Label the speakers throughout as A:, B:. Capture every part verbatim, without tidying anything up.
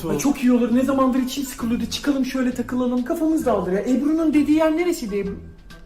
A: Batu. Ay çok iyi olur. Ne zamandır içim sıkılıyordu. Çıkalım şöyle takılalım. Kafamız dağılır ya. Ebru'nun dediği yer neresiydi Ebru?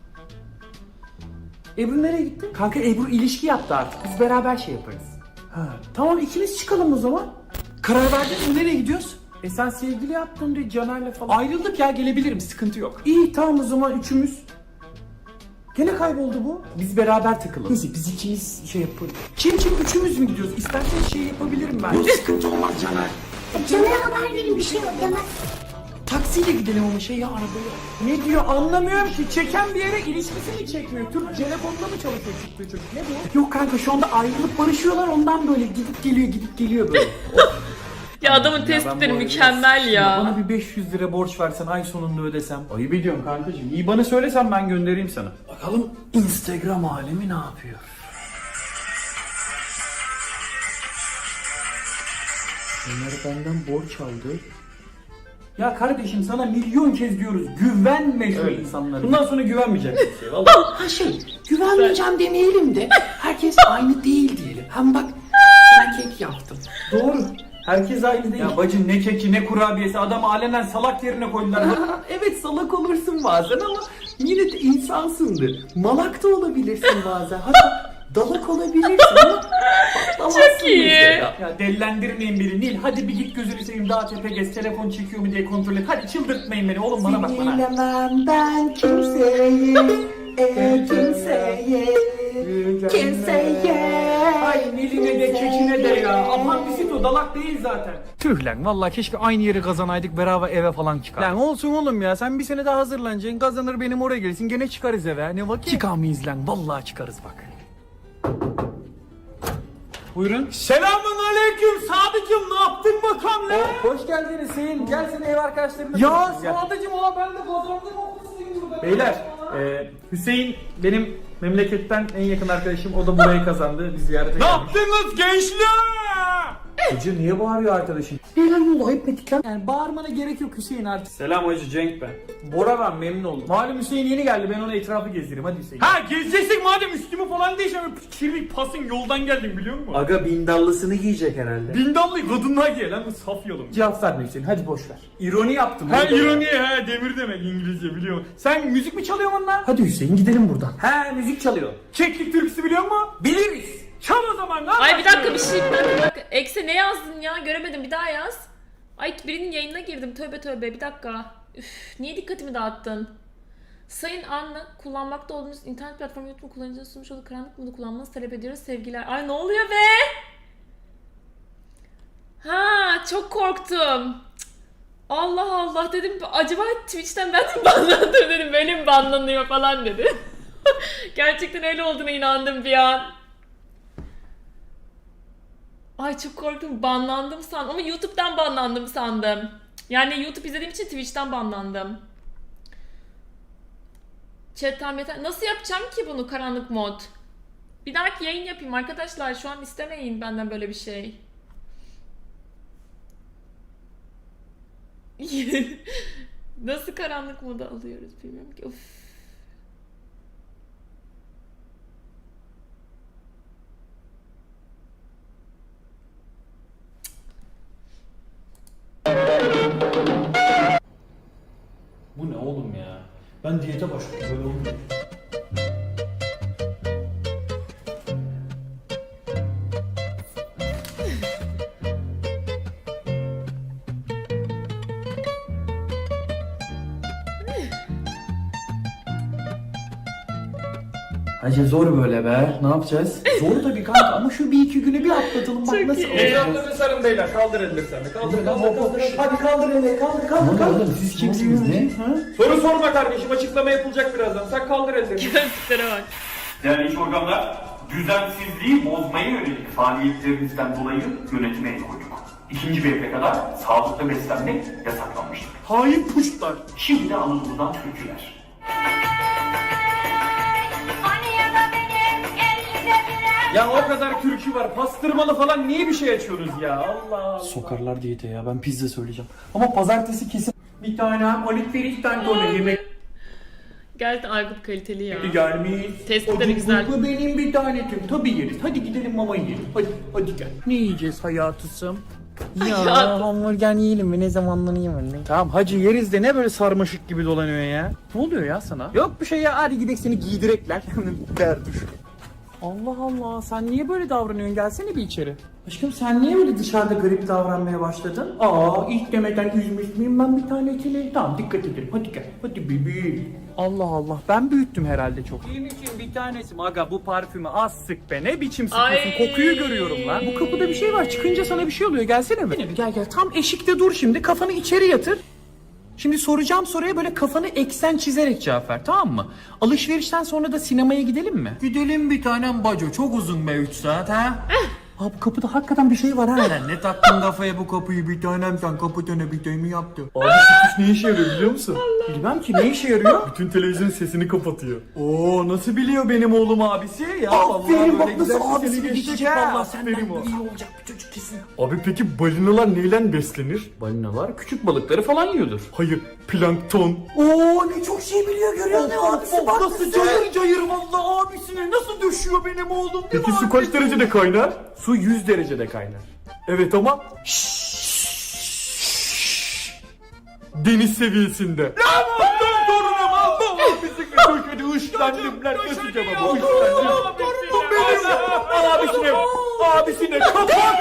A: Ebru nereye gitti? Kanka Ebru ilişki yaptı artık. Biz beraber şey yaparız. Ha, tamam ikimiz çıkalım o zaman. Karar verdin mi? Nereye gidiyoruz? E sen sevgili yaptın diye Caner'le falan. Ayrıldık ya, gelebilirim, sıkıntı yok. İyi tamam o zaman üçümüz. Gene kayboldu bu. Biz beraber takılalım. Neyse biz ikimiz şey yaparız. Kim kim üçümüz mü gidiyoruz? İstersen şey yapabilirim ben. Yok sıkıntı olmaz Caner.
B: Caner'e haber verin, bir şey yok demez.
A: Taksiyle gidelim ama şey ya arabaya. Ne diyor anlamıyorum ki. Çeken bir yere ilişkisi mi çekmiyor? Türk telefonda mı çalışıyor çıktığı çocuk? Ne bu? Yok kanka şu anda ayrılıp barışıyorlar, ondan böyle gidip geliyor gidip geliyor böyle.
C: Ya adamın tespitleri mükemmel ya.
A: Bana bir beş yüz lira borç versen ay sonunda ödesem. Ayıp ediyorum kankacığım. İyi bana söylesen ben göndereyim sana. Bakalım Instagram alemi ne yapıyor? Onlar benden borç aldı. Ya kardeşim sana milyon kez diyoruz, güvenme şu
D: Evet.
A: insanlara.
D: Bundan sonra güvenmeyeceksin kimseye vallahi.
A: Ha şey, güvenmeyeceğim demeyelim de herkes aynı değil diyelim. Hem bak sana kek yaptım.
D: Doğru. Herkes aynı değil.
A: Ya bacım ne keki ne kurabiyesi, adamı alenen salak yerine koydular.
E: Evet salak olursun bazen ama yine de insansındır. Malak da olabilirsin bazen. Hatta dalak olabilirsin ama patlamazsın
C: Çok iyi.
E: mesela.
A: Ya delilendirmeyin beni Nil, hadi bir git gözünü seveyim daha tepe gez, telefon çekiyor mu diye kontrol et. Hadi çıldırtmayın beni oğlum, bana bak bana.
E: Bilemem ben kimseye, e, kimseye, kimseye.
A: Ay Nil'ine de kekine de ya. Apandisit o, dalak değil zaten. Tüh lan vallahi keşke aynı yeri kazanaydık, beraber eve falan çıkar. Lan olsun oğlum ya, sen bir sene daha hazırlanacaksın, kazanır benim oraya gelirsin, gene çıkarız eve. Ne vakit? Çıkamayız lan, vallahi çıkarız bak. Buyurun. Selamun aleyküm Sadıcım, ne yaptın bakalım lan?
D: Hoş geldin Hüseyin. Gel seni ev arkadaşlarımla
A: Ya
D: tanıştırayım, gel.
A: Sadıcım ola ben de kazandım okulsuyum burada.
D: Beyler, e, Hüseyin benim memleketten en yakın arkadaşım. O da burayı kazandı. Biz ziyarete
A: Ne
D: geldik.
A: yaptınız gençler?
D: Hacı niye bağırıyor arkadaşın?
A: Helal oldu, ayıp ettik lan. Yani bağırmana gerek yok Hüseyin artık.
D: Selam hacı, Cenk ben. Bora ben, memnun oldum. Malum Hüseyin yeni geldi, ben ona etrafı gezdireyim. Hadi Hüseyin.
A: Ha gezeceksin madem, üstümü falan değişemem. Kirli pasın yoldan geldim biliyor musun?
D: Aga bindallısını giyecek herhalde.
A: Bindallı kadınlar giyer lan, bu saf yalım.
D: Cevap verme Hüseyin, hadi boş ver. İroni yaptım.
A: Ha ironi, ha demir demek İngilizce biliyorum. Sen müzik mi çalıyorsun lan?
D: Hadi Hüseyin gidelim buradan. He, müzik çalıyor.
A: Keklik türküsü biliyor musun?
D: Biliriz.
A: Çal o zaman lan.
C: Ay bir dakika bir şey bir dakika, bir dakika. Ekse ne yazdın ya? Göremedim, bir daha yaz. Ay birinin yayınına girdim. Tövbe tövbe bir dakika. Üf, niye dikkatimi dağıttın? Sayın Anna, kullanmakta olduğunuz internet platformu YouTube kullanıcının sunmuş olduğu karanlık modu kullanmanızı talep ediyoruz. Sevgiler. Ay ne oluyor be? Ha çok korktum. Cık. Allah Allah dedim. Acaba Twitch'ten ben mi banlandım dedim. Benim banlanıyor falan dedi. Gerçekten öyle olduğuna inandım bir an. Ay çok korktum, banlandım sandım ama YouTube'dan banlandım sandım. Yani YouTube izlediğim için Twitch'ten banlandım. Chat'ten yeter. Nasıl yapacağım ki bunu karanlık mod? Bir dahaki yayın yapayım arkadaşlar, şu an istemeyin benden böyle bir şey. Nasıl karanlık modu alıyoruz bilmiyorum ki. Of.
D: Bu ne oğlum ya? Ben diyete başladım, böyle olmuyor.
A: Hacı zor böyle be, ne yapacağız? Zor tabii kanka ama şu bir iki günü bir atlatalım, bak
C: Çok
A: nasıl
C: iyi.
A: olacak.
D: Etraflarını sarın beyler, kaldır elleri sen de. Kaldır, kaldır, kaldır.
A: Hadi kaldır elleri, kaldır kaldır kaldır. Siz kimsiniz ne? Ha?
D: Soru sorma kardeşim, açıklama yapılacak birazdan. Sen kaldır ellerini.
C: Gözlüklere bak.
F: Değerli iş organlar, düzensizliği bozmaya yönelik faaliyetlerinizden dolayı yönetime el koyduk. İkinci bir eve kadar sağlıklı beslenmek yasaklanmıştır.
A: Hain puşlar.
F: Şimdi de Anadolu'dan türküler.
D: Ya o kadar türkü var, pastırmalı falan, niye bir şey açıyorsunuz ya? Allah Allah.
A: Sokarlar diyete ya, ben pizza söyleyeceğim. Ama pazartesi kesin bir tane olikleri tane yemek
C: Gerçekten Aykut kaliteli ya.
A: gelmiş.
C: Tespitleri güzel.
A: Bu benim bir tanetim. Tabii yeriz. Hadi gidelim mama yiyelim. Hadi hadi gel. Ne yiyeceğiz hayatısım? Ya
C: Ya.
A: hamburger yiyelim mi? Ne zamandan yiyelim? Tamam hacı yeriz de ne böyle sarmaşık gibi dolanıyor ya? Ne oluyor ya sana? Yok bir şey ya, hadi gidelim seni giydirekler. Derduş. Allah Allah, sen niye böyle davranıyorsun? Gelsene bir içeri. Aşkım sen niye böyle dışarıda garip davranmaya başladın? Aa, ilk demeden üzmüş müyüm ben bir tanesini? Tamam dikkat edelim, hadi gel. Hadi bebeğim. Allah Allah, ben büyüttüm herhalde çok. Benim için bir tanesi. Aga bu parfümü az sık be, ne biçim sıkıyorsun?
C: Ay.
A: Kokuyu görüyorum lan. Bu kapıda bir şey var, çıkınca sana bir şey oluyor, gelsene mi? Gel gel, tam eşikte dur şimdi, kafanı içeri yatır. Şimdi soracağım soruya böyle kafanı eksen çizerek cevap ver, tamam mı? Alışverişten sonra da sinemaya gidelim mi? Gidelim bir tanem baco, çok uzun be üç saat ha. Abi kapıda hakikaten bir şey var ha. Ne taktın kafaya bu kapıyı bir tanem, sen kapıda bir mi yaptın?
D: Abi şu tuş ne işe yarıyor biliyor musun?
A: Bilmem ki ne işe yarıyor?
D: Bütün televizyonun sesini kapatıyor. Oo nasıl biliyor benim oğlum abisi ya?
A: Aferin, bak
D: böyle
A: nasıl
D: güzel
A: abisini
D: seni
A: geçecek
D: ha.
A: valla, senden
D: Aferin o.
A: iyi olacak bir çocuk kesin.
D: Abi peki balinalar neyle beslenir?
A: Balinalar küçük balıkları falan yiyordur.
D: Hayır, plankton.
A: Oo ne çok şey biliyor, görüyor musun? Abisi bak
D: Nasıl cayır cayır valla abisine nasıl düşüyor benim oğlum? Peki su
A: var
D: kaç derecede kaynar? Su yüz derecede kaynar. Evet ama deniz seviyesinde. Ya bundan torunum Allah abisini köşede ışlandım lan nasıl cevap? Işlandım. Torunum benim. Abisine, abisine kapak.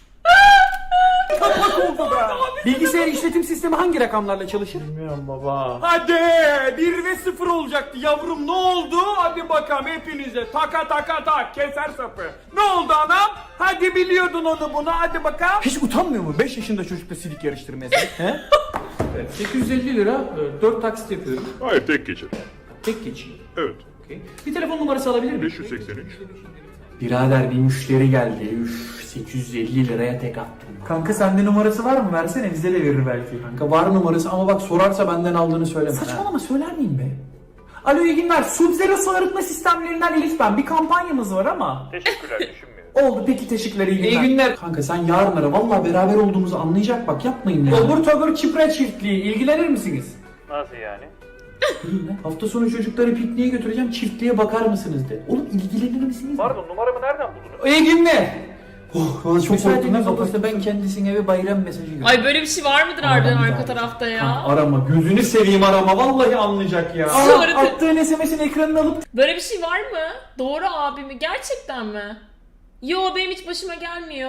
D: Kapak oldu be.
A: Bilgisayar işletim sistemi hangi rakamlarla çalışır?
D: Bilmiyorum baba. Hadi bir ve sıfır olacaktı yavrum, ne oldu? Hadi bakalım hepinize taka taka tak keser sapı. Ne oldu anam? Hadi biliyordun onu bunu, hadi bakalım.
A: Hiç utanmıyor mu beş yaşında çocukla silik yarıştırmaya? He? Evet, sekiz yüz elli lira, dört taksit yapıyorum.
G: Hayır tek geçer.
A: Tek geçiyor.
G: Evet.
A: Okay. Bir telefon numarası alabilir miyim?
G: beş yüz seksen üç.
A: Birader bir müşteri geldi. Üf, sekiz yüz elli liraya tek attım.
D: Kanka sende numarası var mı? Versene bize de verir belki.
A: Kanka var numarası ama bak sorarsa benden aldığını söyleme. Saçmalama, söyler miyim be? Alo iyi günler. Sub-Zero su arıtma sistemlerinden Elif ben. Bir kampanyamız var ama.
G: Teşekkürler düşünmüyorum.
A: Oldu peki, teşekkürler, iyi günler. İyi günler. Kanka sen yarın ara, vallahi beraber olduğumuzu anlayacak, bak yapmayın ya. Obur tobur çipre çiftliği, ilgilenir misiniz?
G: Nasıl yani?
A: Hafta sonu çocukları pikniğe götüreceğim, çiftliğe bakar mısınız de. Oğlum ilgilenir misiniz?
G: Pardon numaramı nereden buldunuz?
A: İyi günler. Oh, valla çok
D: Müsaade
A: korktum.
D: edin,
A: Olursa ben kendisine bir bayram mesajı göndereyim.
C: Ay böyle bir şey var mıdır harbiden arka tarafta ya?
A: Arama, gözünü seveyim arama, vallahi anlayacak ya.
C: Sonra
A: Aa,
C: te-
A: attığın S M S'in ekranını alıp
C: Böyle bir şey var mı? Doğru abi mi? Gerçekten mi? Yo benim hiç başıma gelmiyor.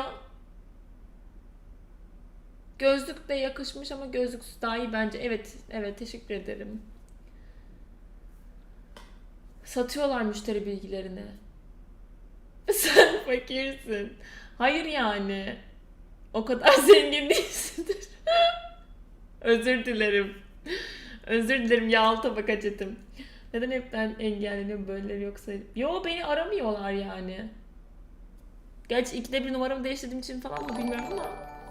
C: Gözlük de yakışmış ama gözlüksüz daha iyi bence. Evet, evet teşekkür ederim. Satıyorlar müşteri bilgilerini. Sen fakirsin. Hayır yani. O kadar zengin değilsindir. Özür dilerim. Özür dilerim yağlı tabak açettim. Neden hepten engelleniyor böyleleri yoksa? Yo beni aramıyorlar yani. Gerçi ikide bir numaramı değiştirdiğim için falan mı bilmiyorum ama.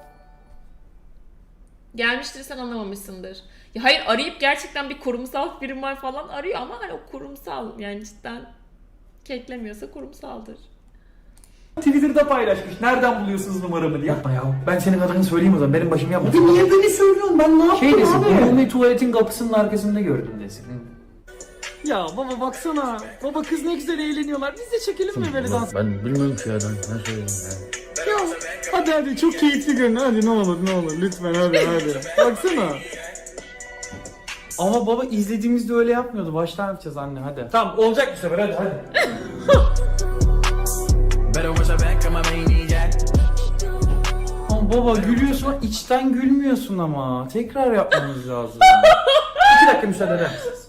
C: Gelmiştir sen anlamamışsındır. Ya hayır arayıp gerçekten bir kurumsal firma falan arıyor ama hani o kurumsal yani cidden keklemiyorsa kurumsaldır.
D: Twitter'da paylaşmış. Nereden buluyorsunuz numaramı diye.
A: yapma ya. Ben senin adını söyleyeyim o zaman, benim başım yapma.
E: Niye beni söylüyorsun? Ben ne yaptım
A: Şey desin,
E: abi?
A: umumi tuvaletin kapısının arkasında gördüm desin.
D: Ya baba baksana. Baba kız ne güzel eğleniyorlar. Biz de çekelim mi böyle dans?
H: Ben bilmiyorum ki ya, ben ne söyleyeyim ya.
D: Ya hadi hadi çok keyifli görün. Hadi ne olur ne olur lütfen hadi hadi. Baksana.
A: Ama baba izlediğimizde öyle yapmıyordu. Baştan yapacağız anne, hadi.
D: Tamam olacak bu sefer hadi hadi.
A: Ama baba gülüyorsun ama içten gülmüyorsun ama. Tekrar yapmamız lazım. İki dakika müsaade eder misiniz?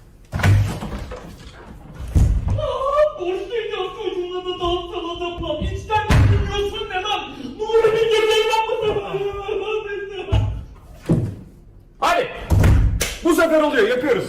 F: Borçlayacağız çocuğuna da dans adamla. İçten gülüyorsun ne lan? Nuri bir geceyi yapmasın.
D: Hadi. Bu sefer oluyor yapıyoruz.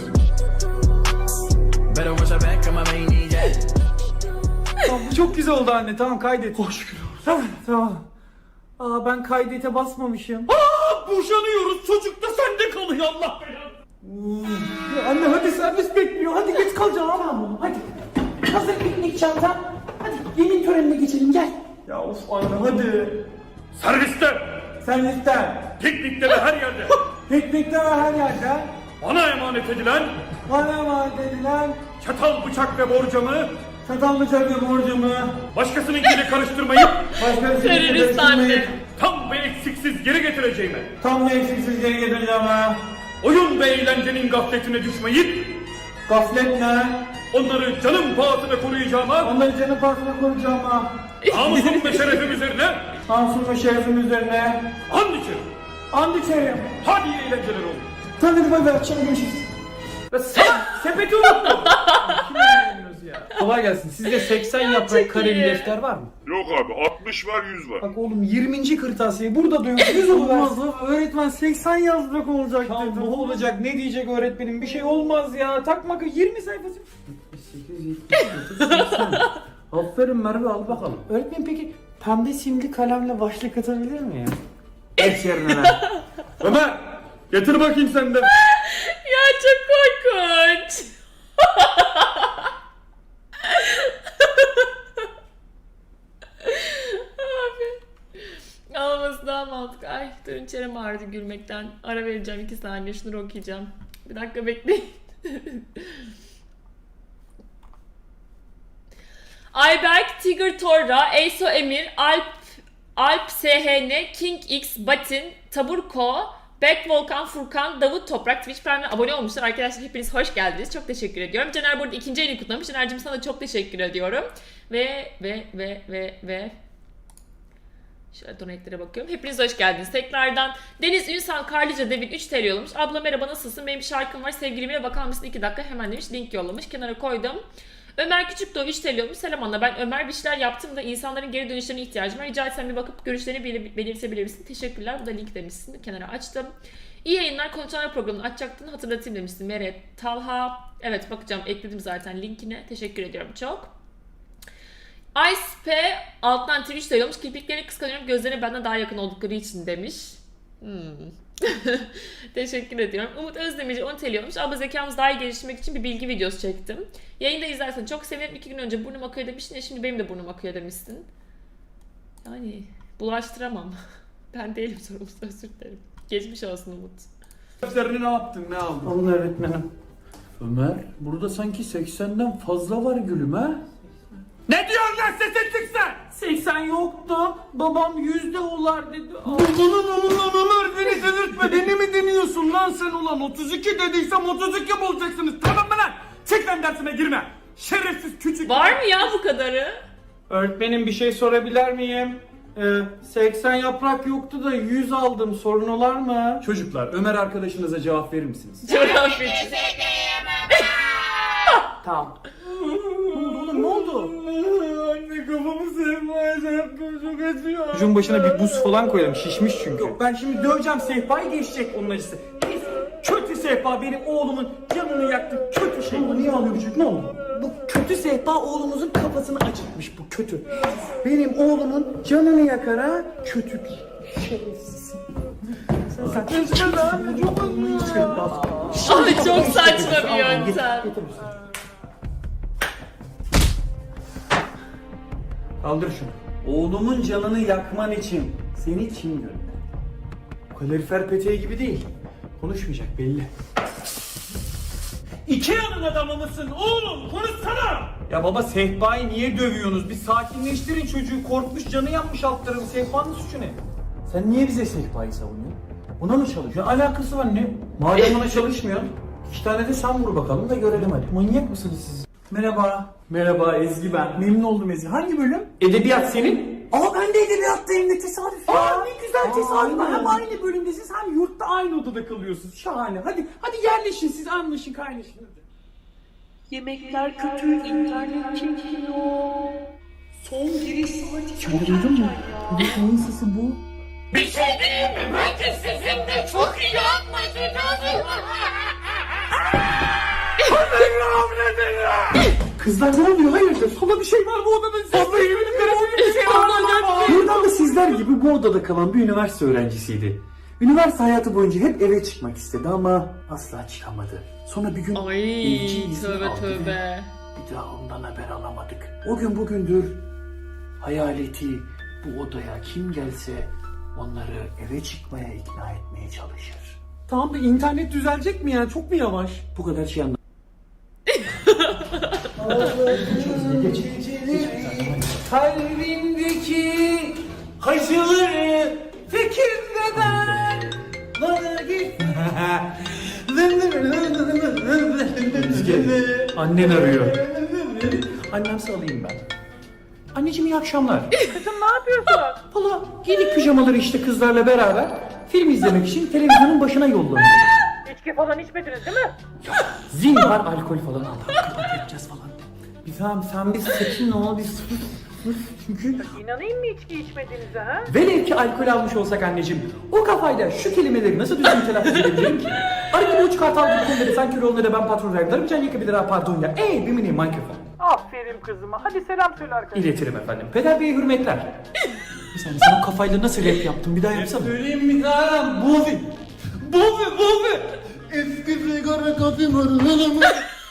A: Tamam, bu çok güzel oldu anne, tamam kaydet. Hoş şükür. Tamam tamam. Aa ben kaydete basmamışım.
F: Aa, boşanıyoruz. Çocuk da sende kalıyor Allah belanı.
A: Ya anne hadi, servis bekliyor. Hadi geç kalacaksın ama. Hadi. Hazır piknik çantan. Hadi yemin törenine geçelim, gel.
D: Ya of anne hadi.
F: Serviste,
A: Servisten.
F: piknikte ve her yerde
A: Piknikte ve her yerde.
F: bana emanet edilen
A: Bana emanet edilen
F: çatal, bıçak ve borcamı
A: çatal bıçak ve borcumu
F: başkasınınkiyle karıştırmayıp
A: başka bir
C: Terörist
A: şekilde
C: anne.
F: tam ve eksik
D: eksiksiz geri getireceğime,
A: Tam da eksiksiz geri getireceğim ha.
D: oyun ve eğlencenin gafletine düşmeyip,
A: Gaflet ne?
D: onları canım pahasına koruyacağıma,
A: Onları canı parkına koruyacağım ha.
D: namusum ve şerefim üzerine
A: Namusum ve şerefim üzerine.
D: and içerim.
A: And içerim.
D: Hadi iyi eğlenceler olsun.
A: Tamam hadi bay bay. Akşam görüşürüz.
D: Ve sana sepeti unuttum.
A: Kolay gelsin. Sizde seksen
C: çok
A: yaprak kare bir
C: iyi.
A: defter var mı?
I: Yok abi altmış var yüz var.
A: Bak oğlum yirminci kırtasiye burada da yok. yüz olmaz. Öğretmen seksen yazmak olacak
E: Tamam,
A: dedi.
E: ne olacak,
A: ne diyecek öğretmenim? Bir şey olmaz ya. Takma yirmi sayfası. sekiz, yetmiş, seksen. Aferin Merve, al bakalım. Öğretmen peki pembe simli kalemle başlık atabilir mi ya? Geç yerine lan.
D: Ömer, getir bakayım sen de.
C: Ya çok korkunç. Abi. Ağlaması daha mantıklı. Ay durun çenem ağrıdı gülmekten. Ara vereceğim iki saniye şunları okuyacağım. Bir dakika bekleyin. Ayberk, Tiger Torra, Eyso Emir, Alp, Alp S H N, King X, Batin, Taburko, Back Volkan, Furkan, Davut Toprak Twitch Prime'e abone olmuşlar. Arkadaşlar hepiniz hoş geldiniz. Çok teşekkür ediyorum. Caner burada ikinci ayını kutlamış. Caner'cim sana da çok teşekkür ediyorum. Ve ve ve ve ve şöyle donate'lere bakıyorum. Hepiniz hoş geldiniz. Tekrardan Deniz Ünsal Karlıca Devin üç T L yollamış. Abla merhaba nasılsın? Benim bir şarkım var. Sevgilimle bakar mısın? iki dakika hemen demiş. Link yollamış. Kenara koydum. Ömer Küçükdoğu üç T L olmuş. Selam Anna. Ben Ömer bir şeyler yaptım da insanların geri dönüşlerine ihtiyacım var. Rica etsem bir bakıp görüşlerini belir- belirtebilir misin? Teşekkürler. Bu da link demişsin. Kenara açtım. İyi yayınlar. Konuşanlar programını açacaktın. Hatırlatayım demişsin. Meret Talha. Evet bakacağım. Ekledim zaten linkine. Teşekkür ediyorum çok. Ice P alttan Twitch de yollamış. Kirpiklerini kıskanıyorum. Gözlerine benden daha yakın oldukları için demiş. Hmm. Teşekkür ediyorum. Umut Özdemirci on T L olmuş. Abla zekamızı daha iyi geliştirmek için bir bilgi videosu çektim. Yayında izlersen çok sevinirim. İki gün önce burnum akıyor demiştin ya şimdi benim de burnum akıyor demişsin. Yani bulaştıramam. Ben değilim sorumlusu, özür dilerim. Geçmiş olsun Umut.
D: Defterini ne yaptın, ne aldın?
A: Alın öğretmenim.
H: Ömer, burada sanki seksenden fazla var gülüm ha?
D: Ne diyorsun lan sesin çıksın?
A: seksen yoktu. Babam yüzde olar dedi. Aa.
D: Ulan ulan Ömer beni delirtme, beni mi deniyorsun lan sen ulan? otuz iki dediysem otuz iki bulacaksınız, tamam mı lan? Çık lan dersine girme. Şerefsiz küçük.
C: Var mı ya bu kadarı?
A: Öğretmenim bir şey sorabilir miyim? Ee, seksen yaprak yoktu da yüz aldım. Sorun olar mı?
H: Çocuklar, Ömer arkadaşınıza cevap verir misiniz?
C: Coğrafyacı.
A: Tamam. Ne oldu oğlum ne oldu?
D: Anne kafamı sevmeye yaptım, çok acıyor.
A: Çocuğun başına bir buz falan koyalım. Şişmiş çünkü. Yok ben şimdi döveceğim sehpayı geçecek onun acısı. Kötü sehpa benim oğlumun canını yaktı. Kötü şey. Ne oldu? Niye ağlıyor bu çocuk? Ne oldu? Bu kötü sehpa oğlumuzun kafasını acıtmış bu kötü. Benim oğlumun canını yakar ha. Kötü bir şerefsiz. Sen sen lan.
C: Abi çok saçma bir yöntem.
A: Kaldır şunu. Oğlumun canını yakman için seni kim gönderdi? Kalorifer peteği gibi değil. Konuşmayacak belli.
D: Ikea'nın adamı mısın oğlum? Konuşsana!
A: Ya baba sehpayı niye dövüyorsunuz? Bir sakinleştirin çocuğu. Korkmuş canı yanmış alt tarafı. Sehpanın suçu ne? Sen niye bize sehpayı savunuyorsun? Buna mı çalışıyor? Alakası var ne? Madem ona çalışmıyor. İki tane de sen vur bakalım da görelim hadi. Manyak mısınız siz? Merhaba. Merhaba Ezgi ben. Memnun oldum Ezgi. Hangi bölüm? Edebiyat senin. Aa ben de edebiyattayım ne tesadüf ya. Aa ne güzel tesadüf. Hem aynı bölümdesiniz hem yurtta aynı odada kalıyorsunuz. Şahane. Hadi hadi yerleşin siz anlaşın kaynaşın. Hadi.
J: Yemekler kötü, internet çekiyor. Son giriş saati çok
A: Duydun mu?
J: erken ya.
A: Bu neyin sesi bu?
B: Bir şey diyeyim mi? Bence sizinle çok iyi anlaşacağız.
A: Kızlar ne oluyor? Hayırdır? Sola bir şey var bu odada. Fazla yeminimlere bir şey var. Buradan da sizler gibi bu odada kalan bir üniversite öğrencisiydi. Üniversite hayatı boyunca hep eve çıkmak istedi ama asla çıkamadı. Sonra bir gün
C: Ay
A: evci izni
C: tövbe
A: aldı ve
C: tövbe.
A: bir daha ondan haber alamadık. O gün bugündür hayaleti bu odaya kim gelse onları eve çıkmaya ikna etmeye çalışır. Tamam da internet düzelecek mi ya? Çok mu yavaş? Bu kadar şey anlamadım. Kalbimdeki acıları fikirler Annen arıyor. Annemse alayım ben. Anneciğim iyi akşamlar.
J: Kızım ne yapıyorsun?
A: Valla giydik pijamaları işte kızlarla beraber. Film izlemek için televizyonun başına yollanıyor.
J: İçki falan içmediniz değil mi?
A: Zil var, alkol falan. Allah Allah yapacağız falan. Bir tamam sen bir sakin ol, bir sus. sus. Çünkü
J: İnanayım mı içki içmediğinize ha?
A: velev ki alkol almış olsak anneciğim, o kafayla şu kelimeleri nasıl düzgün telaffuz edebilirim ki? Araki bu uç kartal gibi konuları sen kör olun da ben patron vergilerim, can yakabilir ha pardon ya. Ey bir mini mikrofon.
J: Aferin kızıma. Hadi selam söyle arkadaşlar.
A: İletirim efendim. Peder Bey'e hürmetler. Bir saniye sen o kafayla nasıl rap yaptın? Bir daha yapsana.
D: Söyleyeyim mi Karan? Bovi. Bovi, Bovi. Eski sigara kapım aralama.